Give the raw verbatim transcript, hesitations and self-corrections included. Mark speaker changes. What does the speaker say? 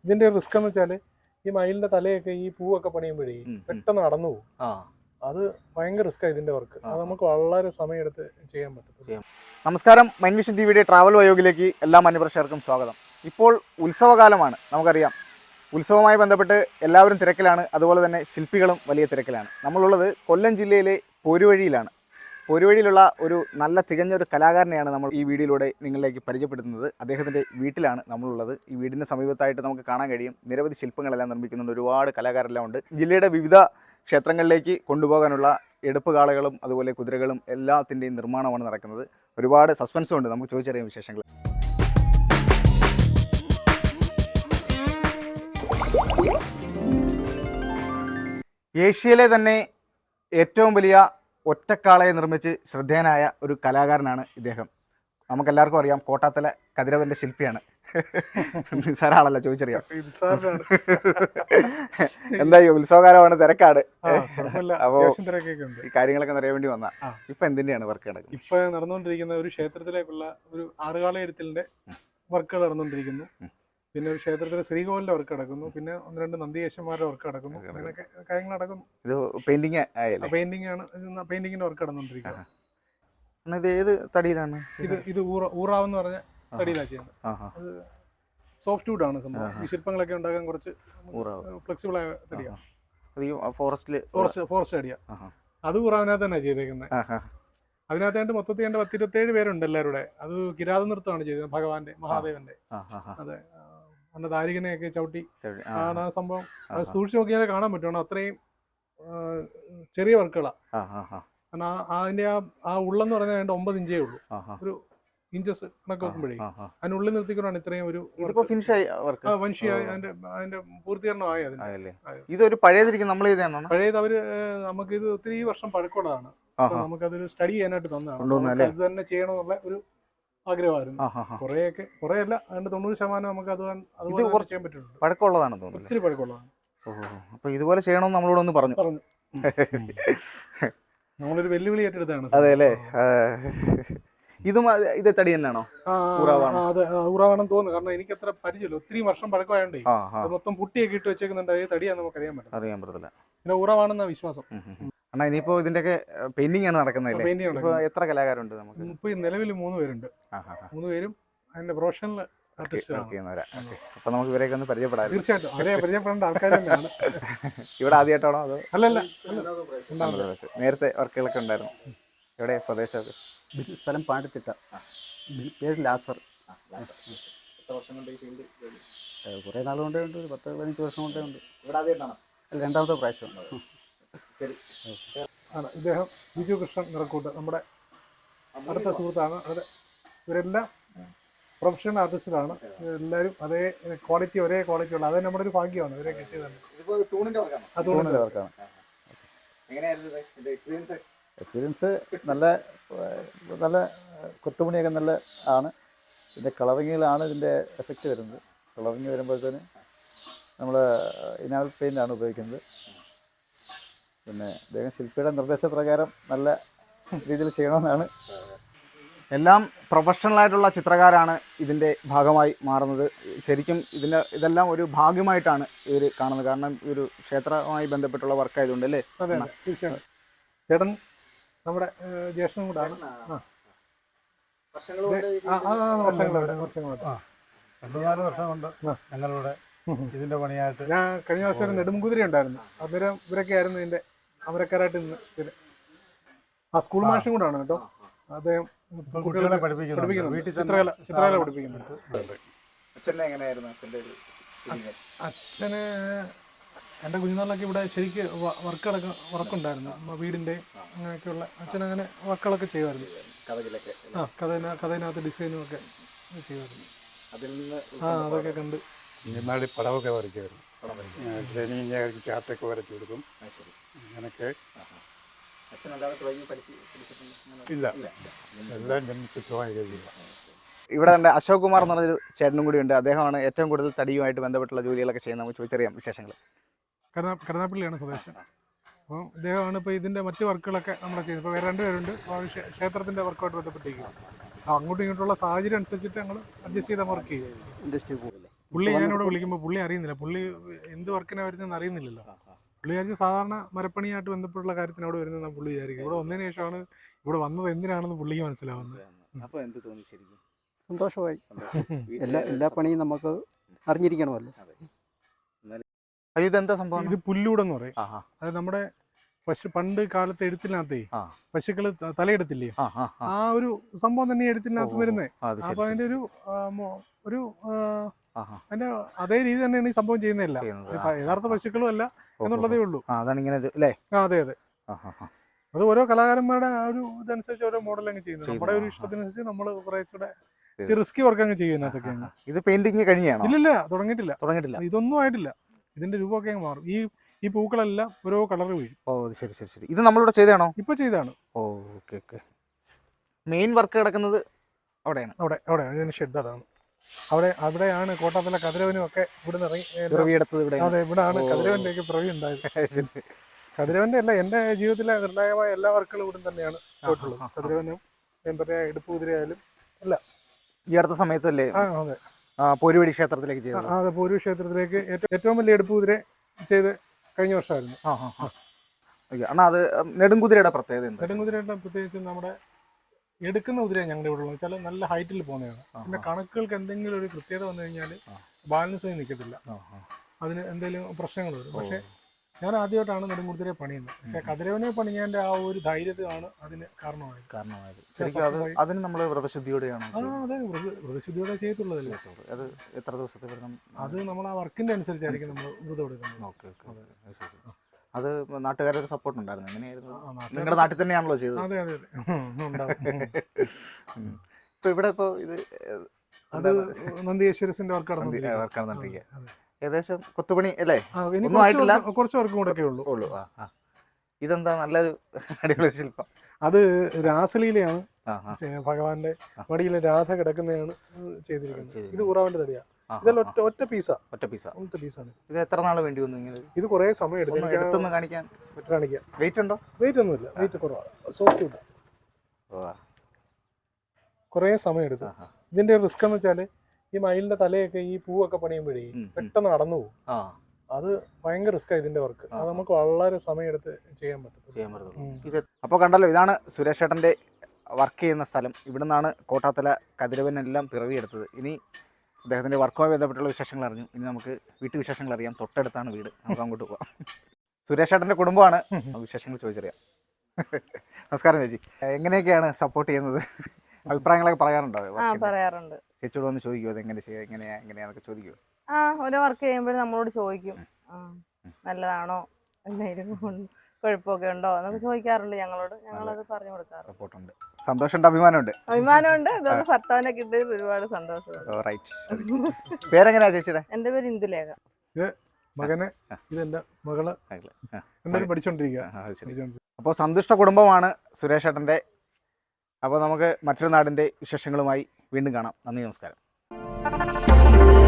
Speaker 1: ഇതിന്റെ റിസ്ക് എന്ന് വെച്ചാല് ഈ മയിലിന്റെ തലയൊക്കെ ഈ പൂവൊക്കെ പണിയുമ്പോഴേ പെട്ടെന്ന് കടന്നു പോകും. അത് ഭയങ്കര റിസ്ക്കാണ് ഇതിന്റെ വർക്ക്. അത് നമുക്ക് വളരെ സമയമെടുത്ത് ചെയ്യാൻ പറ്റത്തില്ല.
Speaker 2: നമസ്കാരം, മൈൻഡ് വിഷൻ ടി വിയുടെ ട്രാവൽ വയോഗിലേക്ക് എല്ലാ മാന്യപ്രേക്ഷകർക്കും സ്വാഗതം. ഇപ്പോൾ ഉത്സവകാലമാണ്, നമുക്കറിയാം. ഉത്സവവുമായി ബന്ധപ്പെട്ട് എല്ലാവരും തിരക്കിലാണ്, അതുപോലെ തന്നെ ശില്പികളും വലിയ തിരക്കിലാണ്. നമ്മളുള്ളത് കൊല്ലം ജില്ലയിലെ പോരുവഴിയിലാണ്. പോരുവഴിയിലുള്ള ഒരു നല്ല തികഞ്ഞൊരു കലാകാരനെയാണ് നമ്മൾ ഈ വീഡിയോയിലൂടെ നിങ്ങളിലേക്ക് പരിചയപ്പെടുത്തുന്നത്. അദ്ദേഹത്തിൻ്റെ വീട്ടിലാണ് നമ്മളുള്ളത്. ഈ വീടിൻ്റെ സമീപത്തായിട്ട് നമുക്ക് കാണാൻ കഴിയും നിരവധി ശില്പങ്ങളെല്ലാം നിർമ്മിക്കുന്നുണ്ട്. ഒരുപാട് കലാകാരെല്ലാം ഉണ്ട്. ജില്ലയുടെ വിവിധ ക്ഷേത്രങ്ങളിലേക്ക് കൊണ്ടുപോകാനുള്ള എടുപ്പുകാളകളും അതുപോലെ കുതിരകളും എല്ലാത്തിൻ്റെയും നിർമ്മാണമാണ് നടക്കുന്നത്. ഒരുപാട് സസ്പെൻസും ഉണ്ട്, നമുക്ക് ചോദിച്ചറിയാം വിശേഷങ്ങൾ. ഏഷ്യയിലെ തന്നെ ഏറ്റവും വലിയ ഒറ്റക്കാളയെ നിർമ്മിച്ച് ശ്രദ്ധേയനായ ഒരു കലാകാരനാണ് ഇദ്ദേഹം. നമുക്കെല്ലാവർക്കും അറിയാം, കോട്ടാത്തല കതിരവൻ്റെ ശില്പിയാണ്. നിസാരാളല്ല, ചോദിച്ചറിയാം. എന്തായി ഉത്സവകാലമാണ്, തിരക്കാട്. അപ്പോ ഈ കാര്യങ്ങളൊക്കെ അറിയാൻ വേണ്ടി വന്ന ഇപ്പൊ എന്തിന്റെയാണ് വർക്ക് നടക്കുന്നത്?
Speaker 1: ഇപ്പൊ നടന്നുകൊണ്ടിരിക്കുന്ന ഒരു ക്ഷേത്രത്തിലേക്കുള്ള ഒരു ആറുകാള എഴുത്തലിന്റെ വർക്കുകൾ നടന്നുകൊണ്ടിരിക്കുന്നു. പിന്നെ ഒരു ക്ഷേത്രത്തിലെ ശ്രീകോവിലിന്റെ വർക്ക് നടക്കുന്നു. പിന്നെ ഒന്ന് രണ്ട് നന്ദികേശന്മാരുടെ വർക്ക് നടക്കുന്നു. അങ്ങനെയൊക്കെ കാര്യങ്ങൾ നടക്കുന്നു.
Speaker 2: ഇത് പെയിന്റിങ്
Speaker 1: പെയിന്റിംഗ് ആണ്. പെയിന്റിങ്ങിന്റെ വർക്ക് നടന്നുകൊണ്ടിരിക്കുന്നത്.
Speaker 2: ഇത് ഏത് തടിയിലാണ്?
Speaker 1: ഇത് ഇത് ഊറാവെന്ന് പറഞ്ഞ തടിയിലാണ് ചെയ്യുന്നത്. അത് സോഫ്റ്റ് വുഡ് ആണ് സംഭവം. ഈ ശില്പങ്ങളൊക്കെ ഉണ്ടാക്കാൻ കുറച്ച് ഫ്ലെക്സിബിൾ ആയ തടിയാണ്.
Speaker 2: ഫോറസ്റ്റില്
Speaker 1: ഫോറസ്റ്റ് ഫോറസ്റ്റ് തടിയാ. അത് ഊറാവിനകത്ത് തന്നെ ചെയ്തേക്കുന്നത്. അതിനകത്തായിട്ട് മൊത്തത്തിൽ രണ്ട് പത്ത് ഇരുപത്തേഴ് പേരുണ്ട് എല്ലാവരുടെ. അത് കിരാത നൃത്തമാണ് ചെയ്തത്, ഭഗവാന്റെ മഹാദേവന്റെ. അതെ, അന്ന് താരികനെയൊക്കെ ചവിട്ടി ആണ് ആ സംഭവം. അത് സൂക്ഷിച്ച് നോക്കിയാലേ കാണാൻ പറ്റുള്ളൂ. അത്രയും ചെറിയ വർക്കുകളാണ്. കാരണം അതിന്റെ ആ ആ ഉള്ളെന്ന് പറഞ്ഞാൽ ഒമ്പത് ഇഞ്ചേ ഉള്ളൂ. ഒരു ഇഞ്ചസ് കണക്ക് നോക്കുമ്പോഴേ അതിനുള്ളിൽ നിർത്തിക്കൊണ്ടാണ് ഇത്രയും ഒരു വൻഷിയായി അതിന്റെ അതിന്റെ പൂർത്തീകരണമായി. അതിന്
Speaker 2: ഇതൊരു പഴയതിരിക്കും നമ്മൾ
Speaker 1: പഴയത് അവര് നമുക്ക് ഇത് ഒത്തിരി വർഷം പഴക്കമുള്ളതാണ്. നമുക്കതൊരു സ്റ്റഡി ചെയ്യാനായിട്ട് തന്നതാണ്. ഇത് തന്നെ ചെയ്യണമെന്നുള്ള ഒരു ആഗ്രഹമായിരുന്നു. കുറെയൊക്കെ കുറെ അല്ല, അതിന്റെ തൊണ്ണൂറ് ശതമാനം നമുക്ക് അത് അതുപോലെ ചെയ്യാൻ പറ്റുന്നുണ്ട്.
Speaker 2: പഴക്കമുള്ളതാണ് തോന്നുന്നു,
Speaker 1: ഒത്തിരി പഴക്കമുള്ളതാണ്.
Speaker 2: അപ്പൊ ഇതുപോലെ ചെയ്യണമെന്ന് നമ്മളോട് ഒന്ന് പറഞ്ഞു
Speaker 1: പറഞ്ഞു നമ്മളൊരു വെല്ലുവിളി ഏറ്റെടുത്താണ്.
Speaker 2: അതെ അല്ലേ? ഇതും ഇത് തടി തന്നെയാണോ?
Speaker 1: അതെ, ഊറാവാണെന്ന് തോന്നുന്നു. കാരണം എനിക്ക് അത്ര പരിചയമില്ല. ഒത്തിരി വർഷം പഴക്കമായോണ്ടേ അത് മൊത്തം പുട്ടിയൊക്കെ ഇട്ട് വെച്ചേക്കുന്നുണ്ട്. അത് തടിയാന്ന് നമുക്ക് അറിയാൻ പറ്റും
Speaker 2: അറിയാൻ പറ്റത്തില്ല.
Speaker 1: പിന്നെ ഊറാവാണെന്ന വിശ്വാസം.
Speaker 2: അണ്ണാ, ഇനിയിപ്പോ ഇതിന്റെയൊക്കെ പെയിന്റിംഗ് ആണ് നടക്കുന്നത്. എത്ര കലാകാരുണ്ട് നമുക്ക്?
Speaker 1: ഇപ്പൊ നിലവിൽ മൂന്ന് പേരുണ്ട്. മൂന്ന് പേരും അതിന്റെ പ്രൊഫഷണൽ ആർട്ടിസ്റ്റുകളാണ്.
Speaker 2: അപ്പൊ നമുക്ക് ഇവരെയൊക്കെ ഒന്ന് പരിചയപ്പെടാം.
Speaker 1: തീർച്ചയായിട്ടും അവരെ പരിചയപ്പെടേണ്ട ആൾക്കാർ തന്നെയാണ്.
Speaker 2: ഇവിടെ ആദ്യമായിട്ടാണോ അതോ?
Speaker 1: അല്ലല്ല,
Speaker 2: നേരത്തെ വർക്കുകളൊക്കെ ഉണ്ടായിരുന്നു. എവിടെ സ്വദേശം?
Speaker 3: സ്ഥലം പാണ്ടിത്തിട്ട, പേര് ലാസർ. കുറേ നാൾ കൊണ്ടേ ഉണ്ട്, ഒരു പത്ത് പതിനഞ്ച് വർഷം കൊണ്ടേ ഉണ്ട്. അല്ല, രണ്ടാമത്തെ പ്രാവശ്യം.
Speaker 1: ഇദ്ദേഹം ബിജു കൃഷ്ണൻ നിറക്കൂട്ട്, നമ്മുടെ അടുത്ത സുഹൃത്താണ്. അവർ ഇവരെല്ലാം പ്രൊഫഷണൽ ആർട്ടിസ്റ്റുകളാണ്. എല്ലാവരും അതേ ക്വാളിറ്റി ഒരേ ക്വാളിറ്റി ഉള്ള, അത് നമ്മുടെ ഒരു ഭാഗ്യമാണ് ഇവരെ കിട്ടിയതാണ്.
Speaker 3: എക്സ്പീരിയൻസ് നല്ല നല്ല കൊത്തുപണിയൊക്കെ നല്ല ആണ്. ഇതിൻ്റെ കളറിങ്ങിലാണ് ഇതിൻ്റെ എഫക്റ്റ് വരുന്നത്. കളറിങ് വരുമ്പോഴത്തേന് നമ്മൾ ഇനാമൽ പെയിൻ്റാണ് ഉപയോഗിക്കുന്നത്. പിന്നെ അദ്ദേഹം ശില്പിയുടെ നിർദ്ദേശപ്രകാരം നല്ല രീതിയിൽ ചെയ്യണമെന്നാണ്.
Speaker 2: എല്ലാം പ്രൊഫഷണലായിട്ടുള്ള ചിത്രകാരാണ് ഇതിൻ്റെ ഭാഗമായി മാറുന്നത്. ശരിക്കും ഇതിൻ്റെ ഇതെല്ലാം ഒരു ഭാഗ്യമായിട്ടാണ് ഇവർ കാണുന്നത്. കാരണം ഈ ഒരു ക്ഷേത്രവുമായി ബന്ധപ്പെട്ടുള്ള വർക്കായതുകൊണ്ട് അല്ലേ?
Speaker 1: അതെ, തീർച്ചയായും. ചേട്ടൻ നമ്മുടെ ജ്യേഷ്ഠനും കൂടാണ്.
Speaker 4: രണ്ടു നാല് വർഷം കൊണ്ട് ഞങ്ങളിവിടെ ഇതിന്റെ പണിയായിട്ട്.
Speaker 1: ഞാൻ കഴിഞ്ഞ വർഷം ഒരു നെടുംകുതിര ഉണ്ടായിരുന്നു. അന്നേരം ഇവരൊക്കെ ആയിരുന്നു ഇതിന്റെ അമരക്കാരായിട്ട് നിന്ന്. ആ സ്കൂൾ മാഷും കൂടാണ് കേട്ടോ. അദ്ദേഹം
Speaker 4: കുട്ടികളെ പഠിപ്പിക്കുന്നു,
Speaker 1: വീട്ടിൽ ചിത്രകല ചിത്രകല പഠിപ്പിക്കുന്നുണ്ട്. അച്ഛന് എൻ്റെ കുഞ്ഞുനാളിലൊക്കെ ഇവിടെ ശരിക്ക് വർക്കുകളൊക്കെ വർക്കുണ്ടായിരുന്നു. വീടിൻ്റെ അങ്ങനെയൊക്കെയുള്ള അച്ഛനങ്ങനെ വർക്കുകളൊക്കെ ചെയ്യുമായിരുന്നു. ആ കഥ കഥയിനകത്ത് ഡിസൈനും ഒക്കെ ചെയ്യുമായിരുന്നു. ആ അതൊക്കെ കണ്ട്
Speaker 4: എന്നാടി പടമൊക്കെ വരയ്ക്കുമായിരുന്നു. ട്രെയിനിങ് ചാർട്ടൊക്കെ വരച്ചു കൊടുക്കും. അങ്ങനെയൊക്കെ ഇല്ല, എല്ലാം ജന്മസിദ്ധമായി കഴിയില്ല.
Speaker 2: ഇവിടെ എൻ്റെ അശോക് കുമാർ എന്ന് പറഞ്ഞൊരു ചേട്ടനും കൂടി ഉണ്ട്. അദ്ദേഹമാണ് ഏറ്റവും കൂടുതൽ തടിയുമായിട്ട് ബന്ധപ്പെട്ടുള്ള ജോലികളൊക്കെ ചെയ്യുന്നത്. നമുക്ക് ചോദിച്ചറിയാം വിശേഷങ്ങൾ.
Speaker 1: കരുനാ കരുനാപ്പള്ളിയാണ് സ്വദേശം. അപ്പോൾ ഇദ്ദേഹമാണ് ഇപ്പോൾ ഇതിൻ്റെ മറ്റ് വർക്കുകളൊക്കെ നമ്മുടെ ചെയ്യുന്നത്. ഇപ്പോൾ വേറെ രണ്ടുപേരുണ്ട് ക്ഷേത്രത്തിൻ്റെ വർക്കുമായിട്ട് ബന്ധപ്പെട്ടിരിക്കും. അങ്ങോട്ടും ഇങ്ങോട്ടുള്ള സാഹചര്യം അനുസരിച്ചിട്ട് ഞങ്ങൾ അഡ്ജസ്റ്റ് ചെയ്ത വർക്ക് ചെയ്യും.
Speaker 3: ഇൻഡസ്ട്രി പോകില്ലേ?
Speaker 1: പുള്ളി ഞാനിവിടെ വിളിക്കുമ്പോൾ പുള്ളി അറിയുന്നില്ല, പുള്ളി എന്ത് വർക്കിനാണ് വരുന്നതെന്ന് അറിയുന്നില്ലല്ലോ. പുള്ളി വിചാരിച്ച് സാധാരണ മരപ്പണിയായിട്ട് ബന്ധപ്പെട്ടുള്ള കാര്യത്തിന് അവിടെ വരുന്നതെന്നാണ് പുള്ളി വിചാരിക്കും. ഇവിടെ വന്നതിന് ശേഷമാണ് ഇവിടെ വന്നത് എന്തിനാണെന്ന് പുള്ളിക്ക് മനസ്സിലാവുന്നത്.
Speaker 2: അപ്പോൾ എന്ത് തോന്നി ശരിക്കും?
Speaker 3: സന്തോഷമായി. എല്ലാ എല്ലാ പണിയും നമുക്ക് അറിഞ്ഞിരിക്കണമല്ലോ.
Speaker 2: അയ്യോ, ഇതെന്താ സംഭവം?
Speaker 1: ഇത് പുല്ലൂടെന്ന് പറയും. അത് നമ്മുടെ പശു പണ്ട് കാലത്ത് എഴുത്തിനകത്തേ പശുക്കള് തലയെടുത്തില്ലേ, ആ ഒരു സംഭവം തന്നെ എഴുത്തിനകത്ത് വരുന്നത്. അപ്പൊ അതിന്റെ ഒരു ഒരു അതിന്റെ അതേ രീതി തന്നെയാണ് ഈ സംഭവം ചെയ്യുന്നതല്ല. യഥാർത്ഥ പശുക്കളും അല്ല എന്നുള്ളതേ ഉള്ളൂ.
Speaker 2: അതാണ് ഇങ്ങനെ അല്ലേ?
Speaker 1: അതെ അതെ. അത് ഓരോ കലാകാരന്മാരുടെ ആ ഒരു ഇതനുസരിച്ച് ഓരോ മോഡൽ അങ്ങ് ചെയ്യുന്നത്. നമ്മുടെ ഒരു ഇഷ്ടത്തിനനുസരിച്ച് നമ്മൾ കുറച്ചുകൂടെ റിസ്കി വർക്ക് അങ്ങ് ചെയ്യുന്നതൊക്കെ.
Speaker 2: ഇത് പെയിന്റിങ് കഴിഞ്ഞാണോ?
Speaker 1: ഇല്ലില്ല, തുടങ്ങിയിട്ടില്ല
Speaker 2: തുടങ്ങിയിട്ടില്ല
Speaker 1: ഇതൊന്നും ആയിട്ടില്ല. ഇതിന്റെ രൂപമൊക്കെ അങ്ങ് മാറും. ഈ ഈ പൂക്കളെല്ലാം ഓരോ കളർ വീഴും.
Speaker 2: ഓ ശരി ശരി ശരി. ഇത് നമ്മളിവിടെ ചെയ്താണോ?
Speaker 1: ഇപ്പൊ ചെയ്താണ്.
Speaker 2: ഓ ഓക്കെ ഓക്കെ. മെയിൻ വർക്ക് കിടക്കുന്നത് അവിടെയാണ്.
Speaker 1: അവിടെ അവിടെ അതിന് ഷെഡ് അതാണ്. അവിടെ അവിടെയാണ് കോട്ടാത്തല കതിരവനും ഒക്കെ ഇവിടെ നിന്ന്
Speaker 2: ഇറങ്ങി.
Speaker 1: അതെ, ഇവിടെയാണ് കതിരവന്റെ ഒക്കെ പ്രവി ഉണ്ടായത്. കതിരവന്റെ അല്ല, എന്റെ ജീവിതത്തിലെ നിർണായകമായ എല്ലാ വർക്കുകളും ഇവിടെ തന്നെയാണ് പോയിട്ടുള്ളത്. കതിരവനും ഞാൻ പറഞ്ഞ എടുപ്പ് കുതിരയായാലും അല്ല.
Speaker 2: ഈ അടുത്ത സമയത്തല്ലേ
Speaker 1: ആ അതെ
Speaker 2: പോരുവടി ക്ഷേത്രത്തിലേക്ക് ചെയ്തത്?
Speaker 1: അതെ, പോരു ക്ഷേത്രത്തിലേക്ക് ഏറ്റവും വലിയ എടുപ്പ് കുതിര ചെയ്ത് കഴിഞ്ഞ വർഷമായിരുന്നു.
Speaker 2: അണ്ണാ, അത് നെടുങ്കുതിരയുടെ പ്രത്യേകത?
Speaker 1: നെടുങ്കുതിരയുടെ പ്രത്യേകിച്ച് നമ്മുടെ എടുക്കുന്ന കുതിര ഞങ്ങളുടെ ഇവിടെ ഉള്ളത് വെച്ചാൽ നല്ല ഹൈറ്റിൽ പോകുന്നതാണ്. പിന്നെ കണക്കുകൾക്ക് എന്തെങ്കിലും ഒരു കൃത്യത വന്നു കഴിഞ്ഞാൽ ബാലൻസ് നിൽക്കത്തില്ല, അതിന് എന്തെങ്കിലും പ്രശ്നങ്ങൾ വരും. പക്ഷെ ഞാൻ ആദ്യമായിട്ടാണ് നെടുങ്കുതിരയെ പണിയുന്നത്. പക്ഷെ കതിരവനെ പണിയാൻ്റെ ആ ഒരു ധൈര്യമാണ് അതിന് കാരണമായത്
Speaker 2: കാരണമായത് അതിന് നമ്മൾ വ്രതശുദ്ധിയോടെയാണ്.
Speaker 1: ആ അതെ, വ്രതശുദ്ധിയോടെ ചെയ്തിട്ടുള്ളതല്ലേ.
Speaker 2: അത് എത്ര ദിവസത്തെ വ്രതം?
Speaker 1: അത് നമ്മൾ ആ വർക്കിന്റെ അനുസരിച്ചായിരിക്കും നമ്മൾ വ്രതം എടുക്കുന്നത്.
Speaker 2: Okay okay. അത് നാട്ടുകാരുടെ സപ്പോർട്ട് ഉണ്ടായിരുന്നു? എങ്ങനെയായിരുന്നു? നിങ്ങളുടെ നാട്ടിൽ തന്നെയാണല്ലോ ചെയ്തത്?
Speaker 1: അതെ അതെ അതെ.
Speaker 2: ഇപ്പൊ ഇവിടെ ഇപ്പൊ ഇത്
Speaker 1: അത് നന്ദിയേശ്വരസിന്റെ വർക്ക്
Speaker 2: നടന്നിരിക്കുക. ഏകദേശം കൊത്തുപണി അല്ലേ?
Speaker 1: കുറച്ച് വർക്കും കൂടെ ഒക്കെ ഉള്ളൂ
Speaker 2: ഉള്ളൂ ഇതെന്താ നല്ലൊരു അടിപൊളി ശില്പം?
Speaker 1: അത് രാസലീലയാണ്. ഭഗവാന്റെ മടിയിലെ രാധ കിടക്കുന്നതാണ് ചെയ്തിരിക്കുന്നത്. ഇത് ഉറാവിന്റെ തടിയാണ്. ഇതെല്ലാം ഒറ്റ ഒറ്റ പീസാ
Speaker 2: ഒറ്റ പീസാ
Speaker 1: ഒറ്റ പീസാണ്.
Speaker 2: ഇത് എത്ര നാൾ വേണ്ടി വന്നു ഇങ്ങനെ?
Speaker 1: ഇത് കുറെ സമയം എടുത്തു
Speaker 2: കാണിക്കാൻ.
Speaker 1: കാണിക്കാം.
Speaker 2: വെയിറ്റ് ഉണ്ടോ?
Speaker 1: വെയിറ്റ് ഒന്നുമില്ല, വെയിറ്റ് കുറവാണ്, സോഫ്റ്റ് ഉണ്ട്. കുറെ സമയം എടുത്തു. ഇതിന്റെ റിസ്ക് എന്ന് വെച്ചാല് ഈ മയിലിന്റെ തലയൊക്കെ ഈ പൂവൊക്കെ പണിയുമ്പോഴേ പെട്ടെന്ന് നടന്നു പോകും. അത് ഭയങ്കര റിസ്ക്കാണ് ഇതിന്റെ വർക്ക്. അത് നമുക്ക് വളരെ സമയം എടുത്ത് ചെയ്യാൻ പറ്റും.
Speaker 2: അപ്പോൾ കണ്ടല്ലോ, ഇതാണ് സുരേഷ് ചേട്ടന്റെ വർക്ക് ചെയ്യുന്ന സ്ഥലം. ഇവിടെ നിന്നാണ് കോട്ടാത്തല കതിരവനെല്ലാം പിറവിയെടുത്തത്. ഇനി അദ്ദേഹത്തിന്റെ വർക്കുമായി ബന്ധപ്പെട്ടുള്ള വിശേഷങ്ങൾ അറിഞ്ഞു. ഇനി നമുക്ക് വീട്ടു വിശേഷങ്ങൾ അറിയാം. തൊട്ടടുത്താണ് വീട്, നമുക്ക് അങ്ങോട്ട് പോവാം. സുരേഷ് ചേട്ടന്റെ കുടുംബമാണ്, വിശേഷങ്ങൾ ചോദിച്ചറിയാം. നമസ്കാരം ചേച്ചി. എങ്ങനെയൊക്കെയാണ് സപ്പോർട്ട് ചെയ്യുന്നത്? അഭിപ്രായങ്ങളൊക്കെ പറയാറുണ്ടോ?
Speaker 5: പറയാറുണ്ട്.
Speaker 2: ചേച്ചിയോട് വന്ന് ചോദിക്കുമോ അതെങ്ങനെ ചെയ്യാം, എങ്ങനെയാ എങ്ങനെയാന്നൊക്കെ ചോദിക്കുമോ?
Speaker 5: ആ, ഓരോ വർക്ക് ചെയ്യുമ്പോഴും നമ്മളോട് ചോദിക്കും, നല്ലതാണോ, എന്തെങ്കിലും കുഴപ്പമൊക്കെ ഉണ്ടോ എന്നൊക്കെ ചോദിക്കാറുണ്ട് ഞങ്ങളോട്. ഞങ്ങളത് പറഞ്ഞു കൊടുക്കാറ്.
Speaker 2: സപ്പോർട്ടുണ്ട്, സന്തോഷമുണ്ട്, അഭിമാനമുണ്ട്.
Speaker 5: അഭിമാനമുണ്ട്. അതുകൊണ്ട് ഭർത്താവിനെ കിട്ടിയത് ഒരുപാട് സന്തോഷമുണ്ട്.
Speaker 2: പേരെങ്ങനെയാ ചേച്ചിയുടെ?
Speaker 5: എന്റെ പേര് ഇന്ദുലേഖ.
Speaker 1: മകനെ ഇതെന്റെ മകള് എല്ലാവരും പഠിച്ചോണ്ടിരിക്കുക.
Speaker 2: അപ്പോൾ സന്തുഷ്ട കുടുംബമാണ് സുരേഷ് ചേട്ടന്റെ. അപ്പോൾ നമുക്ക് മറ്റൊരു നാടിന്റെ വിശേഷങ്ങളുമായി വീണ്ടും കാണാം. നന്ദി, നമസ്കാരം.